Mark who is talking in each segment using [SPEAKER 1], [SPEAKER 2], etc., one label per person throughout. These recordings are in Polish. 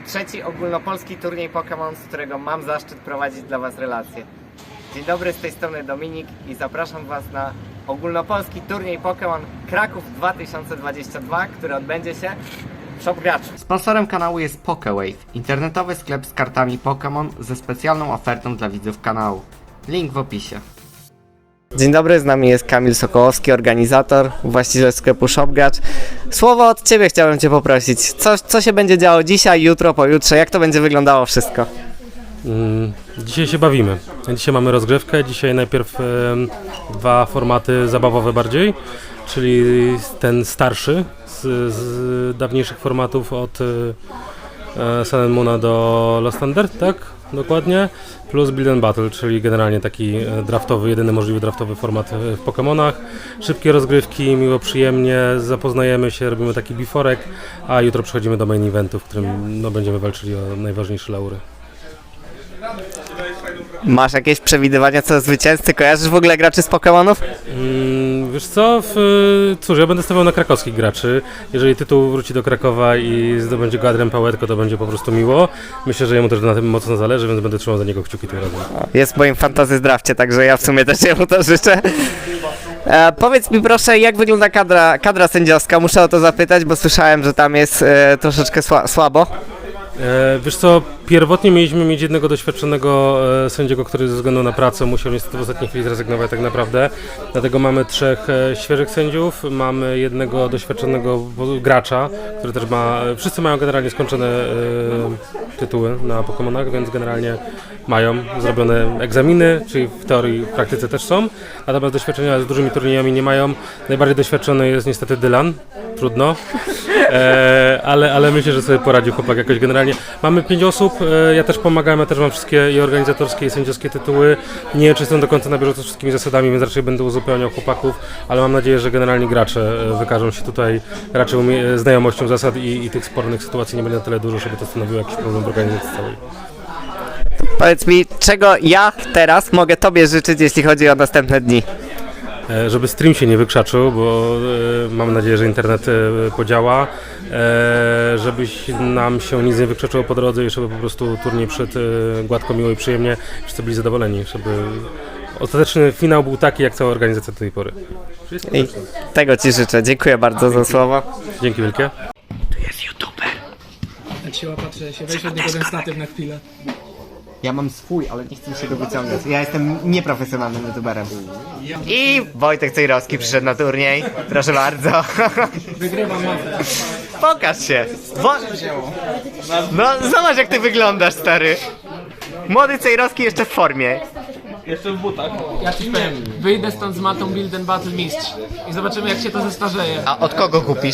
[SPEAKER 1] trzeci ogólnopolski turniej Pokémon, z którego mam zaszczyt prowadzić dla Was relacje. Dzień dobry, z tej strony Dominik i zapraszam Was na ogólnopolski turniej Pokémon Kraków 2022, który odbędzie się w Shop Graczu. Sponsorem kanału jest PokéWave, internetowy sklep z kartami Pokémon ze specjalną ofertą dla widzów kanału. Link w opisie. Dzień dobry, z nami jest Kamil Sokołowski, organizator, właściciel sklepu Shop Gracz. Słowo od Ciebie chciałem Cię poprosić. Co się będzie działo dzisiaj, jutro, pojutrze? Jak to będzie wyglądało wszystko?
[SPEAKER 2] Dzisiaj się bawimy. Dzisiaj mamy rozgrzewkę. Dzisiaj najpierw dwa formaty zabawowe bardziej, czyli ten starszy z dawniejszych formatów od Sun and Moona do Lost Thunder, tak? Dokładnie. Plus Build and Battle, czyli generalnie taki draftowy, jedyny możliwy draftowy format w Pokémonach. Szybkie rozgrywki, miło, przyjemnie, zapoznajemy się, robimy taki biforek, a jutro przechodzimy do main eventu, w którym będziemy walczyli o najważniejsze laury.
[SPEAKER 1] Masz jakieś przewidywania co do zwycięzcy? Kojarzysz w ogóle graczy z Pokémonów?
[SPEAKER 2] Wiesz co, cóż, ja będę stawiał na krakowskich graczy. Jeżeli tytuł wróci do Krakowa i zdobędzie go Adrian Pałetko, to będzie po prostu miło. Myślę, że jemu też na tym mocno zależy, więc będę trzymał za niego kciuki tym razem.
[SPEAKER 1] Jest w moim fantasy drafcie, także ja w sumie też jemu to życzę. Powiedz mi proszę, jak wygląda kadra sędziowska? Muszę o to zapytać, bo słyszałem, że tam jest troszeczkę słabo.
[SPEAKER 2] Wiesz co, pierwotnie mieliśmy mieć jednego doświadczonego sędziego, który ze względu na pracę musiał niestety w ostatniej chwili zrezygnować tak naprawdę. Dlatego mamy trzech świeżych sędziów, mamy jednego doświadczonego gracza, który też ma, wszyscy mają generalnie skończone tytuły na Pokémonach, więc generalnie mają zrobione egzaminy, czyli w teorii, w praktyce też są. Natomiast doświadczenia z dużymi turniejami nie mają. Najbardziej doświadczony jest niestety Dylan, trudno. Ale myślę, że sobie poradził chłopak jakoś generalnie. Mamy 5 osób, ja też pomagam, ja też mam wszystkie i organizatorskie i sędziowskie tytuły. Nie wiem, czy jestem do końca na bieżąco z wszystkimi zasadami, więc raczej będę uzupełniał chłopaków, ale mam nadzieję, że generalnie gracze wykażą się tutaj raczej znajomością zasad i tych spornych sytuacji nie będzie na tyle dużo, żeby to stanowiło jakiś problem w organizacji całej.
[SPEAKER 1] Powiedz mi, czego ja teraz mogę Tobie życzyć, jeśli chodzi o następne dni?
[SPEAKER 2] Żeby stream się nie wykrzaczył, bo mam nadzieję, że internet podziała, żebyś nam się nic nie wykrzaczyło po drodze i żeby po prostu turniej przed gładko, miło i przyjemnie, wszyscy byli zadowoleni, żeby ostateczny finał był taki, jak cała organizacja do tej pory.
[SPEAKER 1] I tego Ci życzę. Dziękuję bardzo za słowo.
[SPEAKER 2] Dzięki wielkie.
[SPEAKER 1] Tu jest YouTuber.
[SPEAKER 3] Jak się patrzę, się weź od niego ten statyw na chwilę.
[SPEAKER 1] Ja mam swój, ale nie chcę się go wyciągać. Ja jestem nieprofesjonalnym YouTuberem. I Wojtek Cejrowski przyszedł na turniej. Proszę bardzo.
[SPEAKER 3] Wygrywam mapę.
[SPEAKER 1] Pokaż się. No zobacz, jak ty wyglądasz, stary. Młody Cejrowski jeszcze w formie.
[SPEAKER 3] Ja ci powiem, wyjdę stąd z matą Build and Battle mistrz i zobaczymy, jak się to zestarzeje.
[SPEAKER 1] A od kogo kupisz?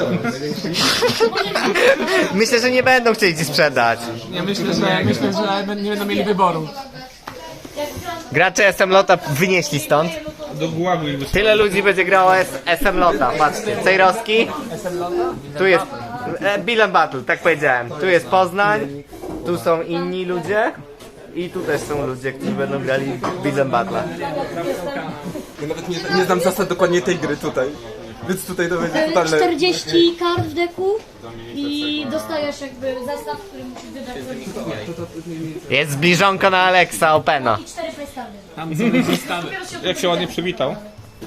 [SPEAKER 1] Myślę, że nie będą chcieli ci sprzedać.
[SPEAKER 3] Ja myślę, że nie będą mieli wyboru.
[SPEAKER 1] Gracze SM Lota wynieśli stąd. Tyle ludzi będzie grało SM Lota. Patrzcie, Cejrowski. Tu jest Build and Battle, tak powiedziałem. Tu jest Poznań. Tu są inni ludzie. I tu też są ludzie, którzy będą grali w Build and Battle.
[SPEAKER 4] Ja nawet nie znam zasad dokładnie tej gry tutaj. Więc tutaj to będzie totalne...
[SPEAKER 5] 40 kart w deku i dostajesz jakby zestaw, który musisz wybrać.
[SPEAKER 1] Jest zbliżonko na Alexa Opena.
[SPEAKER 5] I 4 playstawy.
[SPEAKER 3] Tam są zestawy.
[SPEAKER 4] Jak się ładnie przywitał.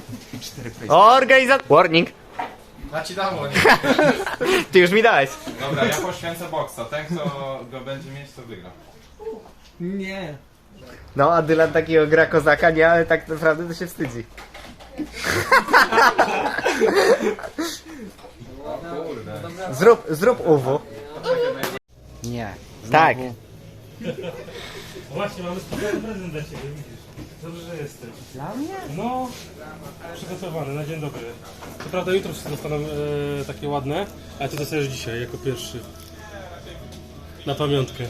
[SPEAKER 1] Warning.
[SPEAKER 6] Ja ci dam łonie.
[SPEAKER 1] Ty już mi dałeś.
[SPEAKER 6] Dobra, ja poświęcę boksa. Ten, kto go będzie mieć, to wygra.
[SPEAKER 3] Nie.
[SPEAKER 1] No, a Dylan takiego gra kozaka, nie, ale tak naprawdę to się wstydzi. Zrób UW. Nie. Tak.
[SPEAKER 2] Właśnie, mamy specjalny prezent dla Ciebie, widzisz. Dobrze, że jesteś. Dla mnie? No, przygotowany na dzień dobry. Co prawda jutro wszyscy dostaną takie ładne, ale Ty dostajesz dzisiaj jako pierwszy. Na pamiątkę.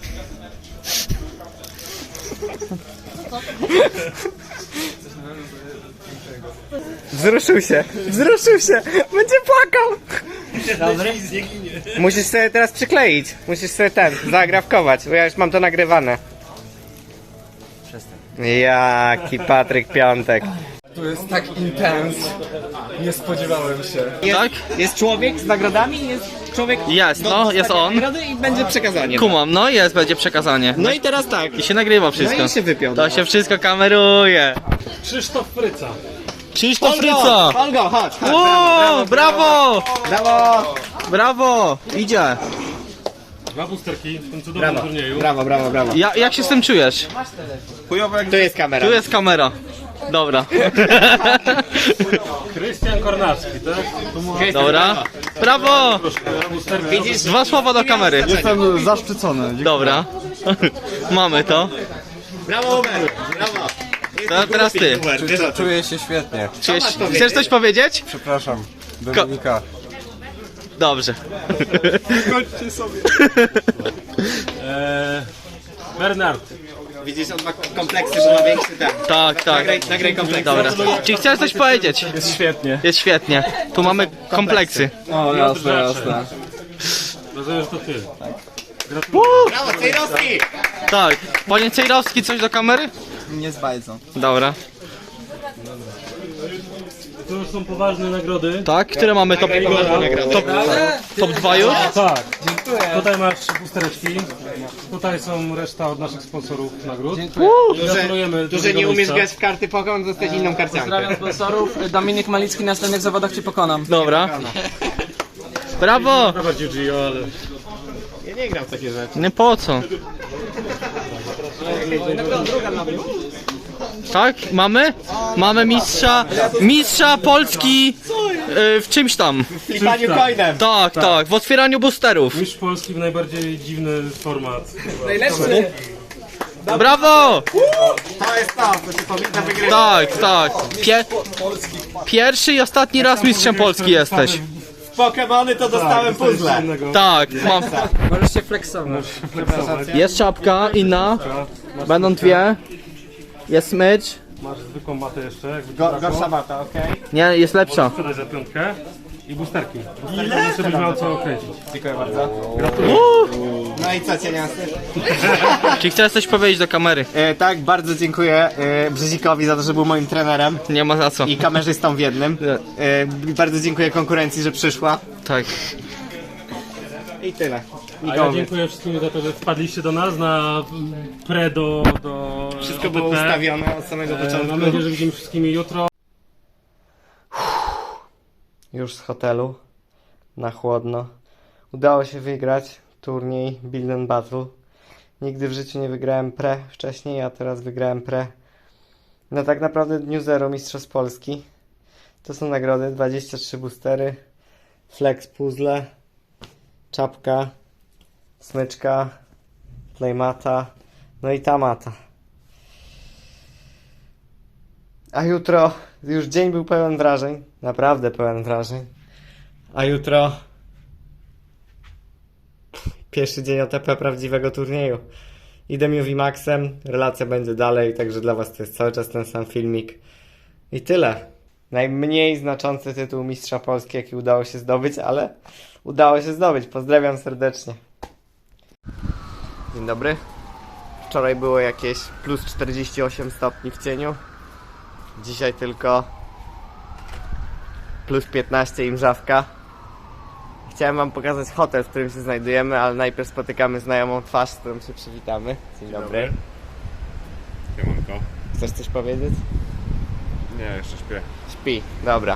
[SPEAKER 1] Wzruszył się. Będzie płakał. Dobry. Musisz sobie teraz przykleić. Musisz sobie zagrafkować, bo ja już mam to nagrywane. Przestań. Jaki Patryk Piątek.
[SPEAKER 4] To jest tak intens. Nie spodziewałem się.
[SPEAKER 7] Tak?
[SPEAKER 1] Jest człowiek z nagrodami, jest człowiek...
[SPEAKER 7] Jest, no, jest on.
[SPEAKER 1] Nagrody i będzie przekazanie.
[SPEAKER 7] Kumam, no jest, będzie przekazanie.
[SPEAKER 1] No i teraz tak.
[SPEAKER 7] I się nagrywa wszystko.
[SPEAKER 1] No i się wypiął.
[SPEAKER 7] To się wszystko kameruje.
[SPEAKER 2] Krzysztof Fryca.
[SPEAKER 7] Krzysztof Fryca!
[SPEAKER 1] Olgo, chodź.
[SPEAKER 7] O, brawo!
[SPEAKER 1] Brawo!
[SPEAKER 7] Brawo! Idzie.
[SPEAKER 2] 2 boosterki w tym cudownym turnieju.
[SPEAKER 1] Brawo, brawo, brawo.
[SPEAKER 7] Jak się z tym czujesz?
[SPEAKER 1] Tu jest kamera.
[SPEAKER 7] Tu jest kamera. Dobra.
[SPEAKER 2] Krystian Kornacki, tak? Tu mu-
[SPEAKER 7] Dobra. Brawo!
[SPEAKER 2] boosterki.
[SPEAKER 1] Widzisz?
[SPEAKER 7] 2 słowa do kamery.
[SPEAKER 4] Jestem zaszczycony.
[SPEAKER 7] Dobra. Mamy to.
[SPEAKER 1] Brawo, Uber. Brawo.
[SPEAKER 7] Teraz ty.
[SPEAKER 4] Czuję się świetnie.
[SPEAKER 7] Chcesz coś powiedzieć?
[SPEAKER 4] Przepraszam. Dominika.
[SPEAKER 7] Dobrze.
[SPEAKER 2] Bernard.
[SPEAKER 1] Widzisz, on ma kompleksy, że ma większy ten.
[SPEAKER 7] Tak, tak.
[SPEAKER 1] Nagraj kompleksy.
[SPEAKER 7] Dobra. Czy chcesz coś powiedzieć?
[SPEAKER 4] Jest świetnie.
[SPEAKER 7] Jest świetnie. Tu mamy kompleksy.
[SPEAKER 4] O, jasne, jasne.
[SPEAKER 2] Rozumiem, że to ty.
[SPEAKER 1] Brawo, Cejrowski!
[SPEAKER 7] Tak. Panie Cejrowski, coś do kamery?
[SPEAKER 4] Nie zbajdzą.
[SPEAKER 7] Dobra.
[SPEAKER 2] To już są poważne nagrody.
[SPEAKER 7] Tak, które mamy top, top 2 już?
[SPEAKER 2] Tak. Tutaj masz boostereczki. Tutaj są reszta od naszych sponsorów nagród. Gratulujemy.
[SPEAKER 1] Tu, że nie umiesz grać w karty Pokémon, dostać inną karciankę.
[SPEAKER 3] Pozdrawiam sponsorów. Dominik Malicki, na następnych zawodach cię pokonam.
[SPEAKER 7] Dobra. Brawo!
[SPEAKER 2] Bardziej Gio, ale...
[SPEAKER 1] Ja nie gram w takie rzeczy.
[SPEAKER 7] Nie po co? Tak, mamy? Mamy mistrza Polski w czymś tam.
[SPEAKER 1] W flipaniu coinem.
[SPEAKER 7] Tak, tak, w otwieraniu boosterów.
[SPEAKER 2] Mistrz Polski w najbardziej dziwny format.
[SPEAKER 1] Najlepszy.
[SPEAKER 7] Brawo!
[SPEAKER 1] To jest to, co się powinna wygrywać.
[SPEAKER 7] Tak, tak. Pierwszy i ostatni raz mistrzem Polski jesteś.
[SPEAKER 1] W Pokémony to dostałem puzzle.
[SPEAKER 7] Tak, mam.
[SPEAKER 3] Możesz się flexować.
[SPEAKER 7] Jest czapka inna. Będą 2. Jest smycz.
[SPEAKER 2] Masz zwykłą matę jeszcze. Jakby
[SPEAKER 1] Gorsza mata, okej?
[SPEAKER 7] Nie, jest lepsza.
[SPEAKER 2] Sprzedaj za 5 i boosterki. Boosterki, żebyś miał co kręcić.
[SPEAKER 1] Dziękuję bardzo. No i co, cieniasty?
[SPEAKER 7] Czy chcesz coś powiedzieć do kamery?
[SPEAKER 1] Tak, bardzo dziękuję Brzezikowi za to, że był moim trenerem
[SPEAKER 7] Nie ma za co.
[SPEAKER 1] i kamerzystą w jednym. Bardzo dziękuję konkurencji, że przyszła.
[SPEAKER 7] Tak.
[SPEAKER 1] I tyle.
[SPEAKER 2] A ja dziękuję wszystkim za to, że wpadliście do nas na pre do
[SPEAKER 1] Wszystko było
[SPEAKER 2] OPP.
[SPEAKER 1] ustawione od samego początku.
[SPEAKER 2] Mam nadzieję, że widzimy wszystkimi jutro.
[SPEAKER 1] Już z hotelu, na chłodno. Udało się wygrać turniej Build and Battle. Nigdy w życiu nie wygrałem pre wcześniej, a teraz wygrałem pre. No tak naprawdę dniu zero Mistrzostw Polski. To są nagrody, 23 boostery, flex puzzle, czapka, smyczka, playmata, no i ta mata. A jutro, już dzień był pełen wrażeń, naprawdę pełen wrażeń. A jutro pierwszy dzień OTP prawdziwego turnieju. Idę Movimaxem, relacja będzie dalej, także dla was to jest cały czas ten sam filmik. I tyle. Najmniej znaczący tytuł Mistrza Polski, jaki udało się zdobyć, ale udało się zdobyć. Pozdrawiam serdecznie. Dzień dobry. Wczoraj było jakieś plus 48 stopni w cieniu. Dzisiaj tylko plus 15 i mrzawka. Chciałem wam pokazać hotel, w którym się znajdujemy, ale najpierw spotykamy znajomą twarz, z którą się przywitamy. Dzień dobry.
[SPEAKER 6] Siemanko.
[SPEAKER 1] Chcesz coś powiedzieć?
[SPEAKER 6] Nie, jeszcze śpię.
[SPEAKER 1] Śpi, dobra.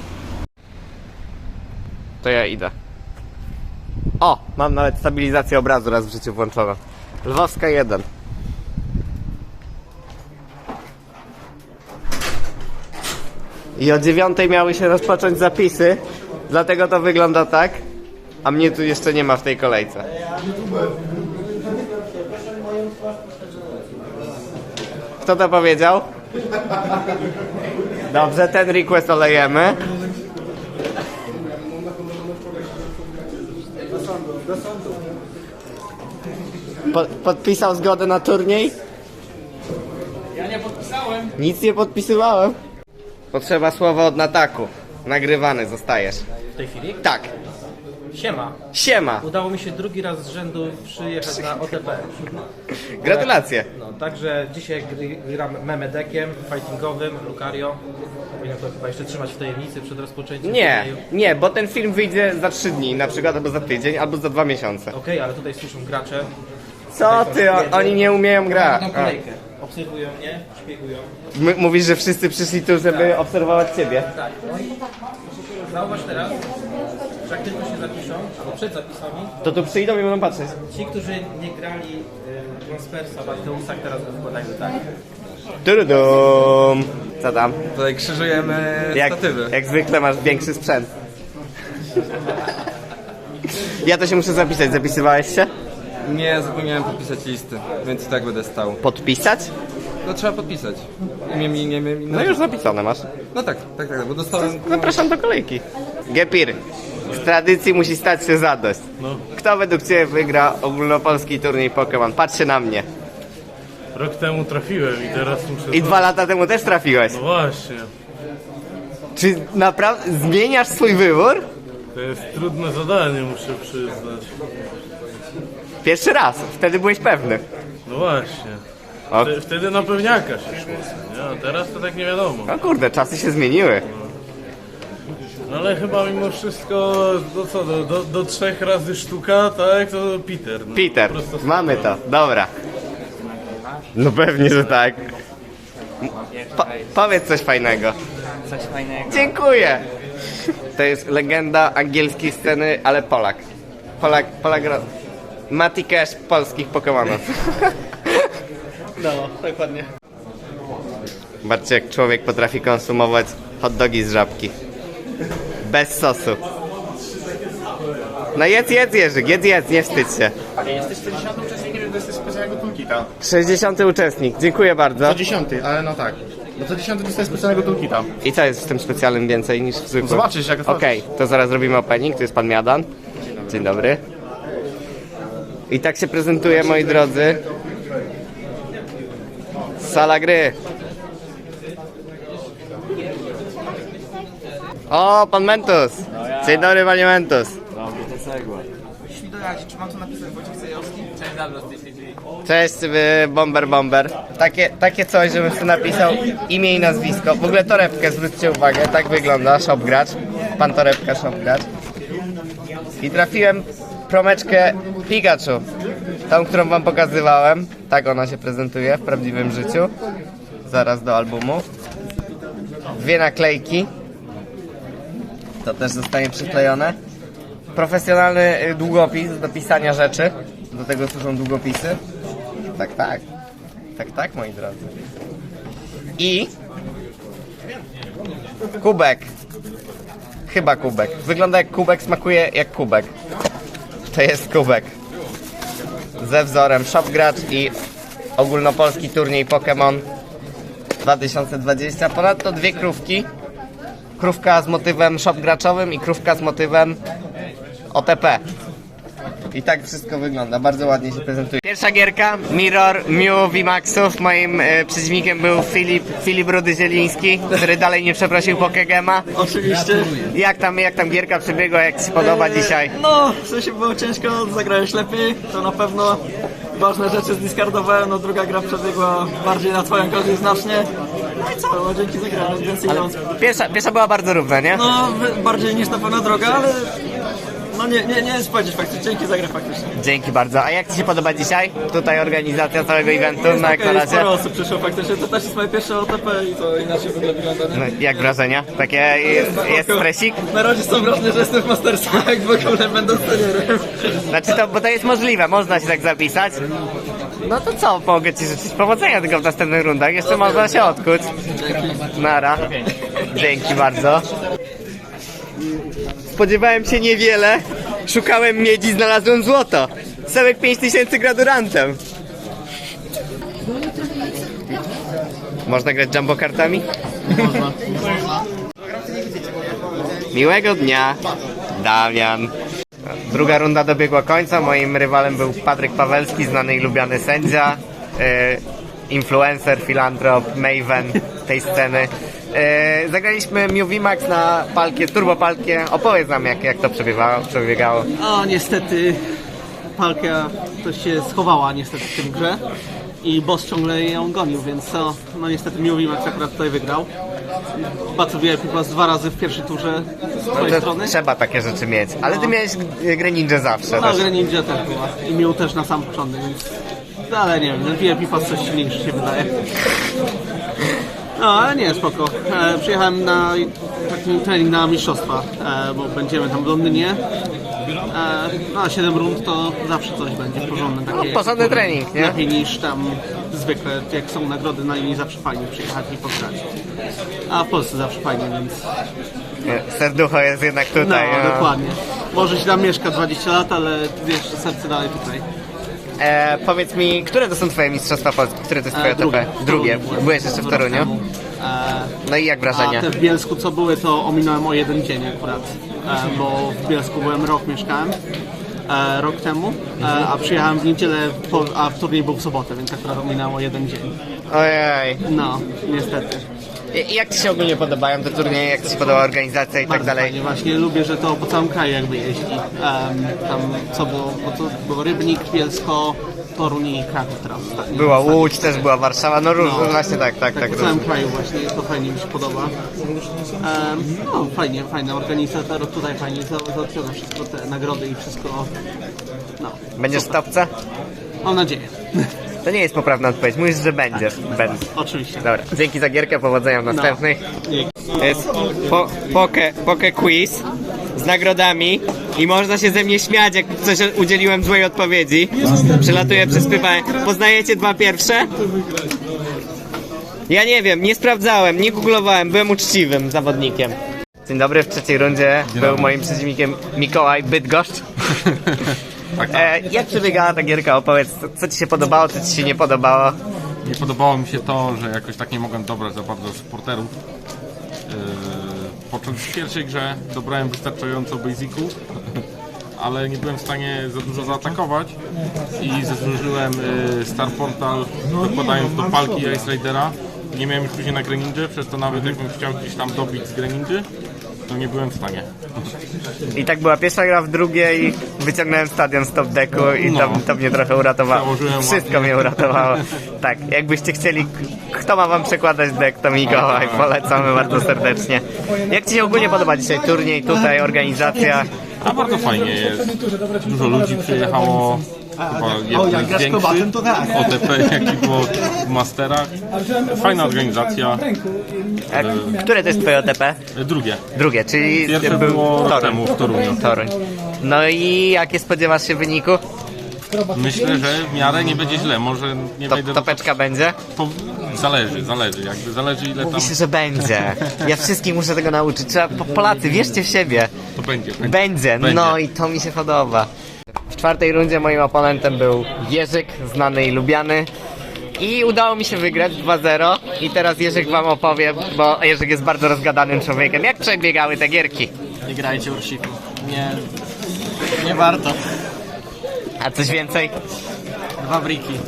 [SPEAKER 1] To ja idę. O! Mam nawet stabilizację obrazu raz w życiu włączoną. Lwowska 1. I o 9 miały się rozpocząć zapisy, dlatego to wygląda tak, a mnie tu jeszcze nie ma w tej kolejce. Kto to powiedział? Dobrze, ten request olejemy. Podpisał zgodę na turniej?
[SPEAKER 3] Ja nie podpisałem.
[SPEAKER 1] Nic nie podpisywałem. Potrzeba słowa od Nataku. Nagrywany zostajesz.
[SPEAKER 3] W tej chwili?
[SPEAKER 1] Tak.
[SPEAKER 2] Siema.
[SPEAKER 1] Siema!
[SPEAKER 2] Udało mi się drugi raz z rzędu przyjechać na OTP.
[SPEAKER 1] Gratulacje!
[SPEAKER 2] No, także dzisiaj gram memedekiem fightingowym, Lucario. Powinienem to chyba jeszcze trzymać w tajemnicy przed rozpoczęciem
[SPEAKER 1] Nie,
[SPEAKER 2] turnieju.
[SPEAKER 1] nie, bo ten film wyjdzie za 3 dni, na przykład, albo za tydzień, albo za 2 miesiące.
[SPEAKER 2] Okej, ale tutaj słyszą gracze.
[SPEAKER 1] Co ty, oni nie umieją grać.
[SPEAKER 2] Taką kolejkę. Obserwują mnie, szpiegują.
[SPEAKER 1] Mówisz, że wszyscy przyszli tu, żeby obserwować ciebie.
[SPEAKER 2] Tak, no i zauważ teraz, że jak tylko się zapiszą, albo przed zapisami,
[SPEAKER 1] To tu przyjdą i będą patrzeć.
[SPEAKER 2] ci, którzy nie grali Transfersa w Arteusak, teraz wykładają tak.
[SPEAKER 1] Turudum. Co tam?
[SPEAKER 4] Tutaj krzyżujemy statywy.
[SPEAKER 1] Jak zwykle masz większy sprzęt. Ja to się muszę zapisać. Zapisywałeś się?
[SPEAKER 4] Nie, zapomniałem podpisać listy, więc i tak będę stał.
[SPEAKER 1] Podpisać?
[SPEAKER 4] No trzeba podpisać. Nie,
[SPEAKER 1] No już zapisane masz.
[SPEAKER 4] No tak, bo dostałem...
[SPEAKER 1] Zapraszam do kolejki. Gepir, z tradycji musi stać się zadość. Kto według Ciebie wygra ogólnopolski turniej Pokémon? Patrzcie na mnie.
[SPEAKER 8] Rok temu trafiłem i teraz muszę...
[SPEAKER 1] I 2 lata temu też trafiłeś.
[SPEAKER 8] No właśnie,
[SPEAKER 1] Czy naprawdę zmieniasz swój wybór?
[SPEAKER 8] to jest trudne zadanie, muszę przyznać.
[SPEAKER 1] Pierwszy raz, wtedy byłeś pewny.
[SPEAKER 8] No właśnie.
[SPEAKER 1] O,
[SPEAKER 8] Wtedy na pewniaka się szło, nie? A teraz to tak nie wiadomo.
[SPEAKER 1] no kurde, czasy się zmieniły.
[SPEAKER 8] No ale chyba mimo wszystko, do 3 razy sztuka, tak? To Peter. No,
[SPEAKER 1] Peter,
[SPEAKER 8] prosto z
[SPEAKER 1] mamy to, dobra. No pewnie, że tak. Powiedz coś fajnego.
[SPEAKER 9] Coś fajnego.
[SPEAKER 1] Dziękuję. To jest legenda angielskiej sceny, ale Polak. Polak gra... Mati Cash polskich Pokemonów.
[SPEAKER 7] No, dokładnie.
[SPEAKER 1] Zobaczcie, jak człowiek potrafi konsumować hot dogi z żabki. Bez sosu. No jedz Jerzyk, jedz, nie wstydź się.
[SPEAKER 10] Jesteś 60 uczestnikiem, to jesteś specjalnego toolkita.
[SPEAKER 1] 60 uczestnik, dziękuję bardzo.
[SPEAKER 10] To 10, ale no tak. No to 10 dostajesz specjalnego toolkita.
[SPEAKER 1] I co jest w tym specjalnym więcej niż w zwykłym?
[SPEAKER 10] Zobaczysz, jak otworzysz.
[SPEAKER 1] Okej, to zaraz robimy opening, tu jest pan Miadan. Dzień dobry. I tak się prezentuje, moi drodzy, sala gry. O, pan Mentus. Dzień dobry, panie Mentus.
[SPEAKER 3] Czy mam tu napisać Wojciech Zajowski? Cześć, dobra, z tej sieci.
[SPEAKER 1] Cześć, Bomber. Takie coś, żebym sobie napisał imię i nazwisko. W ogóle torebkę, zwróćcie uwagę, tak wygląda shopgracz. Pan torebka, shopgracz. I trafiłem promeczkę Pikachu. Tą, którą wam pokazywałem. Tak ona się prezentuje w prawdziwym życiu. Zaraz do albumu. 2 naklejki. To też zostanie przyklejone. Profesjonalny długopis do pisania rzeczy. Do tego służą długopisy. Tak, moi drodzy. I kubek. Chyba kubek. Wygląda jak kubek, smakuje jak kubek. To jest kubek. Ze wzorem Shopgracz i ogólnopolski turniej Pokémon 2020. Ponadto 2 krówki. Krówka z motywem shopgraczowym i krówka z motywem OTP. I tak wszystko wygląda, bardzo ładnie się prezentuje. Pierwsza gierka, Mirror Mew VMAXów. Moim przeciwnikiem był Filip Rudy-Zieliński, który dalej nie przeprosił Pokegema.
[SPEAKER 7] Oczywiście.
[SPEAKER 1] Jak tam gierka przebiegła, jak Ci się podoba dzisiaj?
[SPEAKER 7] No, w sensie było ciężko, zagrałeś lepiej, to na pewno ważne rzeczy zdiscardowałem, no druga gra przebiegła bardziej na twoją korzyść znacznie. No i co, no dzięki za grę, no więcej nie mam.
[SPEAKER 1] Pierwsza była bardzo równa, nie?
[SPEAKER 7] No, bardziej niż na pewno droga, ale no nie jest powiedzieć faktycznie, dzięki za grę faktycznie.
[SPEAKER 1] Dzięki bardzo. A jak Ci się podoba dzisiaj? Tutaj organizacja całego eventu, no jak na
[SPEAKER 7] Jest
[SPEAKER 1] razie.
[SPEAKER 7] sporo osób przyszło faktycznie, to też jest moje pierwsze OTP i to inaczej w ogóle wygląda, nie?
[SPEAKER 1] No, jak wrażenia? Takie jest stresik?
[SPEAKER 7] Na razie są wrażenie, że jestem w mastersach, jak w ogóle będę seniorem.
[SPEAKER 1] Znaczy to, bo to jest możliwe, można się tak zapisać. No to co, mogę Ci życzyć powodzenia tylko w następnych rundach, jeszcze można się odkuć. Nara. Dzięki bardzo. Spodziewałem się niewiele, szukałem miedzi, znalazłem złoto. Sebek 5000 gradurantem. Można grać jumbo kartami? Można. Miłego dnia, Damian. Druga runda dobiegła końca. Moim rywalem był Patryk Pawelski, znany i lubiany sędzia, influencer, filantrop, maven tej sceny. Zagraliśmy Mew VMAX na palkie, turbopalkie. Opowiedz nam jak to przebiegało.
[SPEAKER 7] O, niestety Palkia to się schowała niestety w tym grze i boss ciągle ją gonił, więc no niestety Mew VMAX akurat tutaj wygrał. Battle VIP Plus 2 razy w pierwszej turze z twojej
[SPEAKER 1] To
[SPEAKER 7] strony.
[SPEAKER 1] trzeba takie rzeczy mieć, ale ty
[SPEAKER 7] No.
[SPEAKER 1] miałeś grę ninja zawsze
[SPEAKER 7] No,
[SPEAKER 1] też.
[SPEAKER 7] grę Ninja też była i Mew też na sam początek, więc no, ale nie wiem, ten VIP Plus coś silniejszy się wydaje. No, ale nie, spoko. Przyjechałem na taki trening na mistrzostwa, bo będziemy tam w Londynie. No, 7 rund to zawsze coś będzie porządne. Takie,
[SPEAKER 1] porządny trening, nie?
[SPEAKER 7] Lepiej niż tam zwykle, jak są nagrody na linii, zawsze fajnie przyjechać i pograć. A w Polsce zawsze fajnie, więc
[SPEAKER 1] Serducho jest jednak
[SPEAKER 7] no,
[SPEAKER 1] tutaj.
[SPEAKER 7] dokładnie. Może się tam mieszka 20 lat, ale jeszcze serce dalej tutaj.
[SPEAKER 1] Powiedz mi, które to są twoje mistrzostwa Polski? Które to jest twoje OTP? Drugie. Byłeś jeszcze w Toruniu? No i jak wrażenia?
[SPEAKER 7] A te w Bielsku co były, to ominąłem o jeden dzień akurat, bo w Bielsku byłem rok, mieszkałem rok temu, a przyjechałem w niedzielę, a w turniej był w sobotę, więc akurat ominąłem o jeden dzień.
[SPEAKER 1] Ojej.
[SPEAKER 7] No, niestety.
[SPEAKER 1] I jak ci się ogólnie podobają te turnieje? Jak ci się podoba organizacja i tak
[SPEAKER 7] Bardzo
[SPEAKER 1] dalej?
[SPEAKER 7] fajnie, właśnie lubię, że to po całym kraju jakby jeździ. Tam co było, bo to było Rybnik, Bielsko, Toruń i Kraków teraz. Tak, nie?
[SPEAKER 1] Była Łódź, też była Warszawa, no różne, właśnie tak.
[SPEAKER 7] Po całym kraju właśnie, to fajnie mi się podoba. No fajnie, organizator tutaj fajnie załatwione wszystko, te nagrody i wszystko. No,
[SPEAKER 1] Będziesz w topce?
[SPEAKER 7] mam nadzieję.
[SPEAKER 1] To nie jest poprawna odpowiedź, mówisz, że będziesz. Będę.
[SPEAKER 7] Oczywiście.
[SPEAKER 1] Dobra, dzięki za gierkę, powodzenia w następnych.
[SPEAKER 7] Dzięki.
[SPEAKER 1] To jest poke quiz z nagrodami i można się ze mnie śmiać, jak coś udzieliłem złej odpowiedzi. Przelatuję przez pytanie. Poznajecie dwa pierwsze? Ja nie wiem, nie sprawdzałem, nie googlowałem, byłem uczciwym zawodnikiem. Dzień dobry, w trzeciej rundzie był moim przeciwnikiem Mikołaj Bydgoszcz. Jak przebiegała ta gierka? Opowiedz, co ci się podobało, co ci się nie podobało?
[SPEAKER 6] Nie podobało mi się to, że jakoś tak nie mogłem dobrać za bardzo supporterów. W pierwszej grze dobrałem wystarczająco basiców, ale nie byłem w stanie za dużo zaatakować i zużyłem Star Portal, dokładając do palki Ice Raidera. Nie miałem już później na Greninja, przez to nawet jakbym chciał gdzieś tam dobić z Greninja, to nie byłem w stanie.
[SPEAKER 1] I tak była pierwsza gra, w drugiej wyciągnąłem stadion z top decku i to mnie trochę uratowało.
[SPEAKER 6] Założyłem
[SPEAKER 1] Wszystko
[SPEAKER 6] ładnie.
[SPEAKER 1] mnie uratowało. Tak, jakbyście chcieli, kto ma wam przekładać deck, to Mikołaj, polecamy bardzo serdecznie. Jak ci się ogólnie podoba dzisiaj turniej, tutaj organizacja?
[SPEAKER 6] A bardzo fajnie jest. Dużo ludzi przyjechało. Chyba jeden z większych OTP, jaki było w Masterach. Fajna organizacja.
[SPEAKER 1] Które to jest twoje OTP?
[SPEAKER 6] Drugie.
[SPEAKER 1] Drugie, czyli
[SPEAKER 6] Pierwsze było rok temu w Toruniu.
[SPEAKER 1] Toruń. No i jakie spodziewasz się wyniku?
[SPEAKER 6] Myślę, że w miarę nie będzie źle. Może nie wejdę do...
[SPEAKER 1] Topeczka będzie?
[SPEAKER 6] Zależy. Jakby zależy ile tam...
[SPEAKER 1] Myślę, że będzie. Ja wszystkich muszę tego nauczyć. Trzeba, Polacy, wierzcie w siebie.
[SPEAKER 6] To będzie.
[SPEAKER 1] Będzie, no i to mi się podoba. W czwartej rundzie moim oponentem był Jerzyk, znany i lubiany. I udało mi się wygrać 2-0. I teraz Jerzyk wam opowie, bo Jerzyk jest bardzo rozgadanym człowiekiem. Jak przebiegały te gierki?
[SPEAKER 7] Nie grajcie Ursiku. Nie warto.
[SPEAKER 1] A coś więcej?
[SPEAKER 7] 2 briki.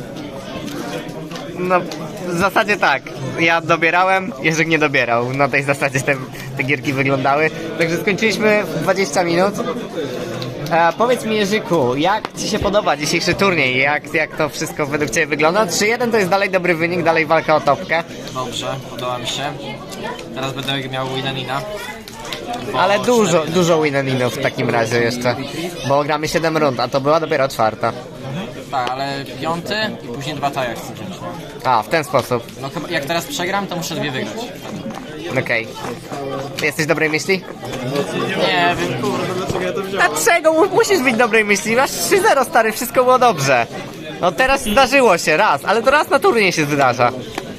[SPEAKER 1] No, w zasadzie tak. Ja dobierałem, Jerzyk nie dobierał. Na tej zasadzie te gierki wyglądały. Także skończyliśmy w 20 minut. Powiedz mi, Jerzyku, jak ci się podoba dzisiejszy turniej? Jak to wszystko według ciebie wygląda? 3-1 to jest dalej dobry wynik, dalej walka o topkę.
[SPEAKER 9] Dobrze, podoba mi się. Teraz będę miał Winanina.
[SPEAKER 1] Ale dużo win-and-inów w takim razie jeszcze. Bo gramy 7 rund, a to była dopiero czwarta.
[SPEAKER 9] Tak, ale 5 i później 2 taja chcę wziąć.
[SPEAKER 1] A, w ten sposób.
[SPEAKER 9] No chyba jak teraz przegram, to muszę 2 wygrać.
[SPEAKER 1] Okej. Jesteś dobrej myśli?
[SPEAKER 9] Nie wiem, kurde, dlaczego ja to wziąłem.
[SPEAKER 1] Dlaczego? Musisz być dobrej myśli. Masz 3-0, stary, wszystko było dobrze. No teraz zdarzyło się raz, ale to raz na turniej się wydarza.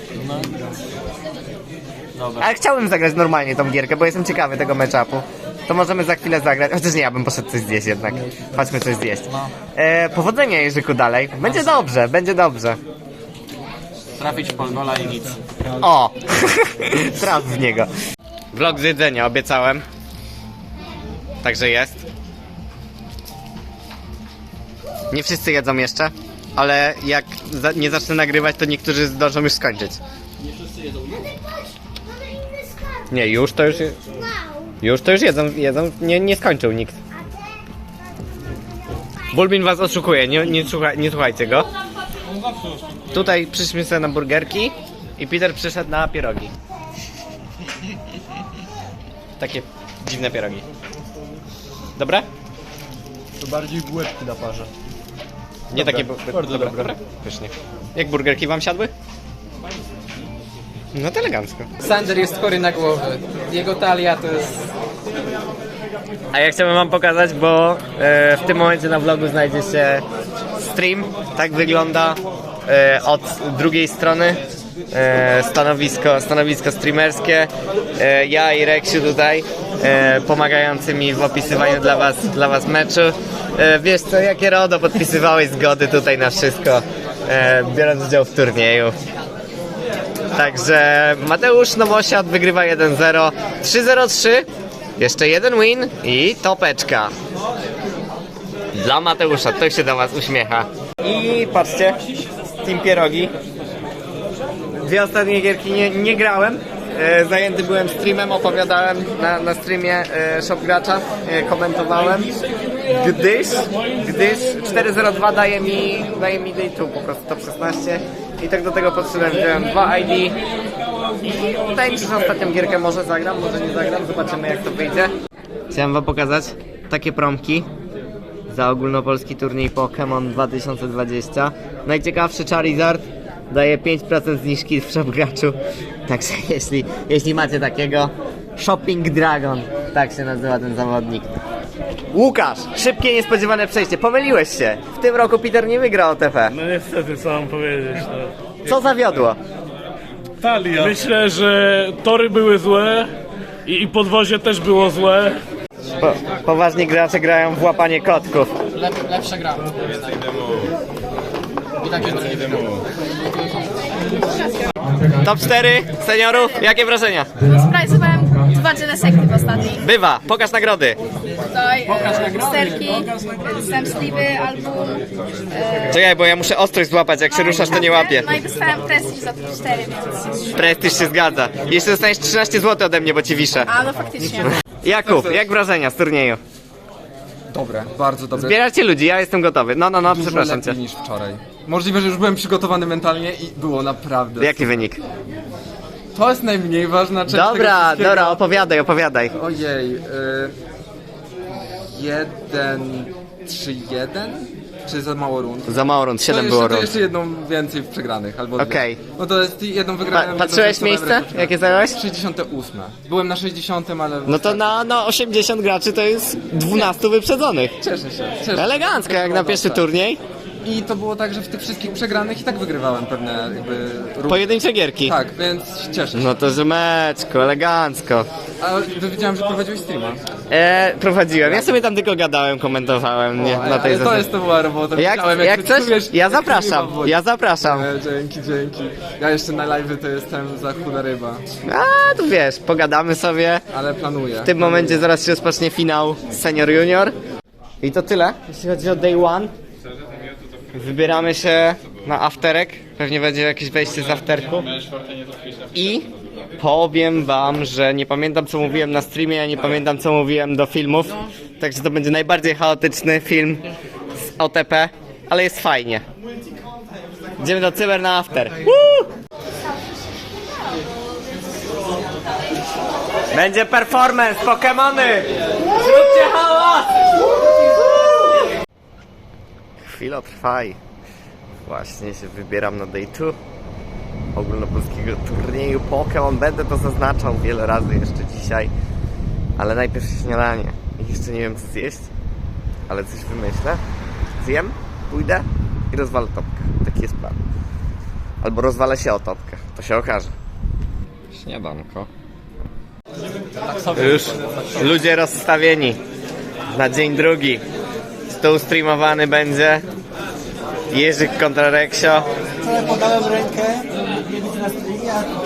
[SPEAKER 9] Dobra.
[SPEAKER 1] Ale chciałbym zagrać normalnie tą gierkę, bo jestem ciekawy tego matchupu. To możemy za chwilę zagrać. Chociaż nie, ja bym poszedł coś zjeść jednak. Chodźmy coś zjeść. Powodzenia, Jerzyku, dalej. Będzie dobrze, będzie dobrze.
[SPEAKER 9] Trafić w polgola i nic.
[SPEAKER 1] O! Traf w niego. Vlog z jedzenia obiecałem. Także jest. Nie wszyscy jedzą jeszcze, ale jak nie zacznę nagrywać, to niektórzy zdążą już skończyć.
[SPEAKER 5] Nie wszyscy jedzą już?
[SPEAKER 1] Nie, już to już... Już to już jedzą, nie skończył nikt. Bulbin was oszukuje, nie słuchajcie go. Tutaj przyszliśmy sobie na burgerki i Peter przyszedł na pierogi. Takie dziwne pierogi. Dobre?
[SPEAKER 10] To bardziej bułeczki na parze.
[SPEAKER 1] Nie takie...
[SPEAKER 10] Bardzo dobre.
[SPEAKER 1] Pysznie. Jak burgerki wam siadły? No to elegancko. Sander jest chory na głowę. Jego talia to jest... A ja chciałbym wam pokazać, bo w tym momencie na vlogu znajdzie się stream. Tak wygląda od drugiej strony stanowisko streamerskie. Ja i Reksiu tutaj pomagający mi w opisywaniu dla was meczu. Wiesz co, jakie RODO podpisywałeś zgody tutaj na wszystko, biorąc udział w turnieju. Także Mateusz Nomosiad wygrywa 1-0, 3-0-3, jeszcze jeden win i topeczka. Dla Mateusza, to się do was uśmiecha. I patrzcie, Team Pierogi. Dwie ostatnie gierki nie grałem. Zajęty byłem streamem, opowiadałem na streamie Shop Gracza, komentowałem, gdyż 402 daje mi day 2, po prostu top 16 i tak do tego podszedłem, wziąłem 2 ID i wydaje mi się, że ostatnią gierkę może zagram, może nie zagram, zobaczymy jak to wyjdzie. Chciałem wam pokazać takie promki za ogólnopolski turniej Pokémon 2020. Najciekawszy Charizard daje 5% zniżki w Shop Graczu. Także jeśli macie takiego, Shopping Dragon, tak się nazywa ten zawodnik. Łukasz, szybkie, niespodziewane przejście. Pomyliłeś się. W tym roku Peter nie wygrał OTP.
[SPEAKER 8] No niestety, co mam powiedzieć, no.
[SPEAKER 1] Co zawiodło?
[SPEAKER 8] Talia. Myślę, że tory były złe i podwozie też było złe.
[SPEAKER 1] Poważni gracze grają w łapanie kotków.
[SPEAKER 3] Lepsza gra. I tak jest
[SPEAKER 1] Top 4 seniorów, jakie wrażenia?
[SPEAKER 5] Sprajzowałem 2 Jelesecty w ostatniej.
[SPEAKER 1] Bywa, pokaż nagrody.
[SPEAKER 5] Tutaj sterki, dostałem sliwy, album.
[SPEAKER 1] Czekaj, bo ja muszę ostrość złapać, jak się ruszasz to nie łapię.
[SPEAKER 5] No i dostałem prestiż za 4, więc...
[SPEAKER 1] Prestiż się zgadza. Jeszcze dostaniesz 13 zł ode mnie, bo ci wiszę.
[SPEAKER 5] A no faktycznie.
[SPEAKER 1] Jakub, jak wrażenia z turnieju?
[SPEAKER 4] Dobre, bardzo dobre.
[SPEAKER 1] Zbieracie ludzi, ja jestem gotowy. No,
[SPEAKER 4] Dużo
[SPEAKER 1] przepraszam cię.
[SPEAKER 4] lepiej niż wczoraj. Możliwe, że już byłem przygotowany mentalnie i było naprawdę.
[SPEAKER 1] Jaki wynik?
[SPEAKER 4] To jest najmniej ważna część tego
[SPEAKER 1] Dobra,
[SPEAKER 4] wszystkiego.
[SPEAKER 1] opowiadaj.
[SPEAKER 4] Ojej, 1-3-1? Czy za mało rund?
[SPEAKER 1] Za mało rund, 7
[SPEAKER 4] to
[SPEAKER 1] było
[SPEAKER 4] to
[SPEAKER 1] rund.
[SPEAKER 4] jeszcze jedną więcej w przegranych, albo
[SPEAKER 1] Okej.
[SPEAKER 4] dwie. No to jest jedną wygraną.
[SPEAKER 1] Patrzyłeś miejsce? Jakie zająłeś?
[SPEAKER 4] 68. Byłem na 60, ale...
[SPEAKER 1] No to na 80 graczy to jest 12 wyprzedzonych.
[SPEAKER 4] Cieszę się.
[SPEAKER 1] Elegancko, jak na pierwszy turniej.
[SPEAKER 4] I to było tak, że w tych wszystkich przegranych i tak wygrywałem pewne jakby...
[SPEAKER 1] Pojedyncze gierki.
[SPEAKER 4] Tak, więc cieszę się.
[SPEAKER 1] No to żymeczko, elegancko.
[SPEAKER 4] A wiedziałem, że prowadziłeś streama.
[SPEAKER 1] Prowadziłem. Ja sobie tam tylko gadałem, komentowałem, nie, na tej zasadzie.
[SPEAKER 4] To była robota.
[SPEAKER 1] Jak coś, ja zapraszam.
[SPEAKER 4] Dzięki. Ja jeszcze na live'y to jestem za chuda ryba.
[SPEAKER 1] A, tu wiesz, pogadamy sobie.
[SPEAKER 4] Ale planuję.
[SPEAKER 1] W tym momencie zaraz się rozpocznie finał Senior Junior. I to tyle, jeśli chodzi o Day 1. Wybieramy się na afterek. Pewnie będzie jakieś wejście z afterku. I powiem wam, że nie pamiętam co mówiłem na streamie, ja nie pamiętam co mówiłem do filmów. Także to będzie najbardziej chaotyczny film z OTP, ale jest fajnie. Idziemy do cyber na after. Woo! Będzie performance, Pokemony! Zróbcie hałas! Chwila trwaj. Właśnie się wybieram na day 2 ogólnopolskiego turnieju Pokémon. Będę to zaznaczał wiele razy jeszcze dzisiaj. Ale najpierw śniadanie. Jeszcze nie wiem co zjeść, ale coś wymyślę. Zjem, pójdę i rozwalę topkę. Taki jest plan. Albo rozwalę się o topkę. To się okaże. Śniadanko. Już ludzie rozstawieni na dzień drugi. Stół streamowany będzie. Jerzyk kontra Reksio.
[SPEAKER 11] Wczoraj podałem rękę, nie widzę na streamie, a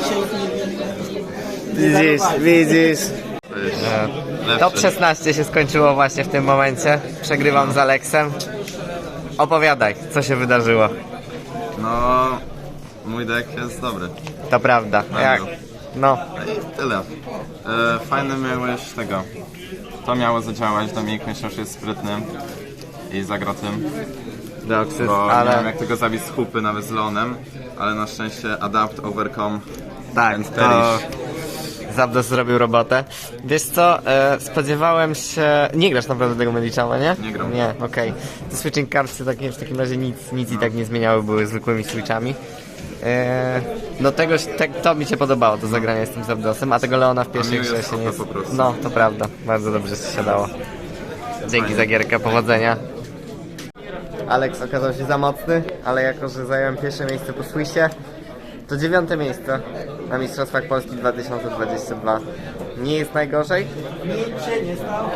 [SPEAKER 11] dzisiaj
[SPEAKER 1] Widzisz. Top 16 się skończyło właśnie w tym momencie. Przegrywam z Aleksem. Opowiadaj, co się wydarzyło.
[SPEAKER 12] No, mój deck jest dobry.
[SPEAKER 1] To prawda. No.
[SPEAKER 12] I tyle. Fajny miałeś tego. To miało zadziałać, Dominik myślał, że jest sprytny i zagra tym.
[SPEAKER 1] Deoxys,
[SPEAKER 12] Bo
[SPEAKER 1] ale...
[SPEAKER 12] miałem jak tego zabić z hupy nawet z Leonem, ale na szczęście adapt, overcome,
[SPEAKER 1] Tak,
[SPEAKER 12] and
[SPEAKER 1] to
[SPEAKER 12] perish.
[SPEAKER 1] Zapdos zrobił robotę. Wiesz co, spodziewałem się... Nie grasz naprawdę tego Medichama, nie?
[SPEAKER 12] Nie gram.
[SPEAKER 1] Nie, okej. Te switching cardsy w takim razie nic i tak nie zmieniały, były zwykłymi switchami. No to mi się podobało, to zagranie z tym Zapdosem, a tego Leona w pierwszej
[SPEAKER 12] Miu
[SPEAKER 1] grze
[SPEAKER 12] jest
[SPEAKER 1] się nie...
[SPEAKER 12] OP po prostu.
[SPEAKER 1] No, to prawda, bardzo dobrze się siadało. Dzięki za gierkę, powodzenia. Alex okazał się za mocny, ale jako, że zająłem pierwsze miejsce po Swissie, to 9. miejsce na Mistrzostwach Polski 2022. Nie jest najgorzej?
[SPEAKER 11] Nic się nie stało.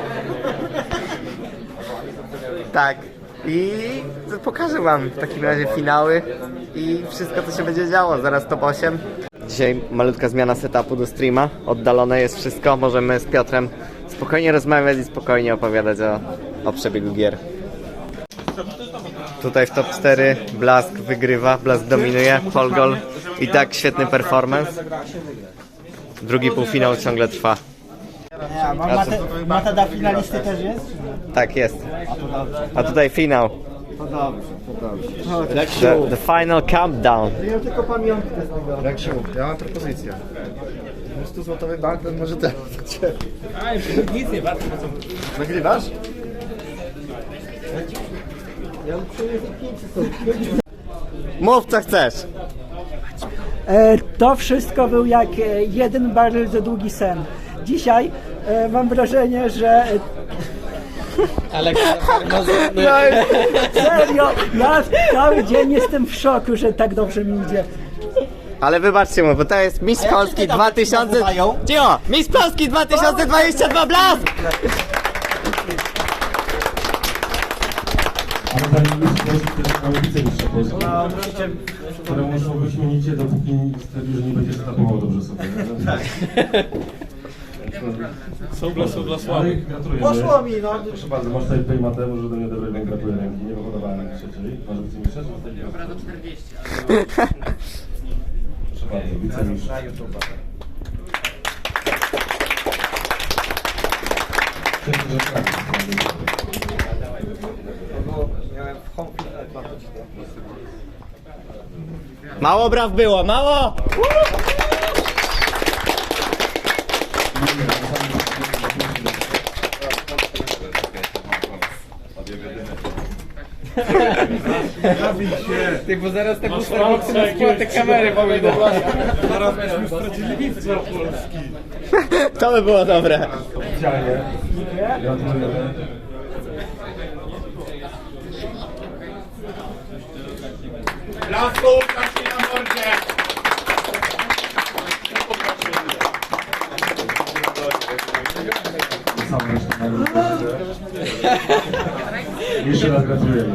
[SPEAKER 1] Tak. I pokażę wam w takim razie finały i wszystko co się będzie działo, zaraz top 8. Dzisiaj malutka zmiana setupu do streama, oddalone jest wszystko, możemy z Piotrem spokojnie rozmawiać i spokojnie opowiadać o przebiegu gier. Tutaj w top 4 Blask wygrywa, Blask dominuje, Polgol i tak świetny performance. Drugi półfinał ciągle trwa.
[SPEAKER 11] A mata dla finalisty też jest?
[SPEAKER 1] Tak jest.
[SPEAKER 11] A to dobrze.
[SPEAKER 1] A tutaj finał.
[SPEAKER 11] To dobrze, to dobrze.
[SPEAKER 1] The final countdown.
[SPEAKER 11] Ja tylko pamiątkę z tego.
[SPEAKER 10] Reksiu, ja mam propozycję. 100-złotowy bank, ten może teraz do ciebie.
[SPEAKER 3] Aj, nic nie warto.
[SPEAKER 10] Nagrywasz?
[SPEAKER 1] Mów co chcesz.
[SPEAKER 11] To wszystko był jak jeden bardzo długi sen. Dzisiaj mam wrażenie, że serio, ja cały dzień jestem w szoku, że tak dobrze mi idzie.
[SPEAKER 1] Ale wybaczcie mu, bo to jest Mistrz Polski 2000... Cicho! Mistrz Polski 2022 Blask!
[SPEAKER 2] Ale zanim Mistrz Polski też mamy wicemistrza Polski, któremu muszą wyśmienicie, dopóki stwierdził, że nie będzie setupował dobrze sobie.
[SPEAKER 6] Są dla słabych.
[SPEAKER 2] Gratulujemy.
[SPEAKER 11] Poszło mi, no.
[SPEAKER 2] Proszę bardzo, masz tutaj playmatę, może do mnie odebrać, więc gratuluję ręki. Nie wyhodowałem jak trzeciej. Masz wicemistrza, czy zostawić? Dobra, do 40. Proszę bardzo, wicemistrz.
[SPEAKER 1] Mało braw było, mało!
[SPEAKER 3] Ty, bo zaraz te Starbucksy na skład te kamery powinny.
[SPEAKER 8] Zaraz byśmy stracili mistrza Polski.
[SPEAKER 1] To by było dobre.
[SPEAKER 2] Oficjalnie. Gratulujemy.
[SPEAKER 8] Blasku, kaczy na mordzie!
[SPEAKER 2] Jeszcze raz gratulujemy.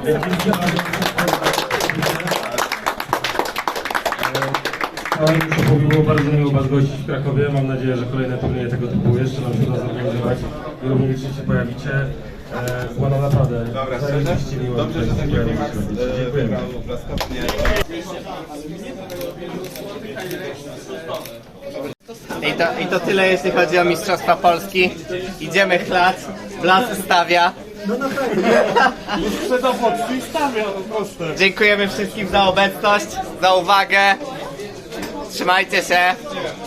[SPEAKER 2] To było bardzo miło Was gościć w Krakowie. Mam nadzieję, że kolejne turnieje tego typu jeszcze nam się uda zorganizować i również licznie się pojawicie. Było nam naprawdę zajebiście miło. Dobrze, że tak dziękujemy.
[SPEAKER 1] I to tyle jeśli chodzi o Mistrzostwa Polski. Idziemy chlać, Blask stawia.
[SPEAKER 8] Sprzeda boczki i stawia, to proste.
[SPEAKER 1] Dziękujemy wszystkim za obecność, za uwagę. Trzymajcie się.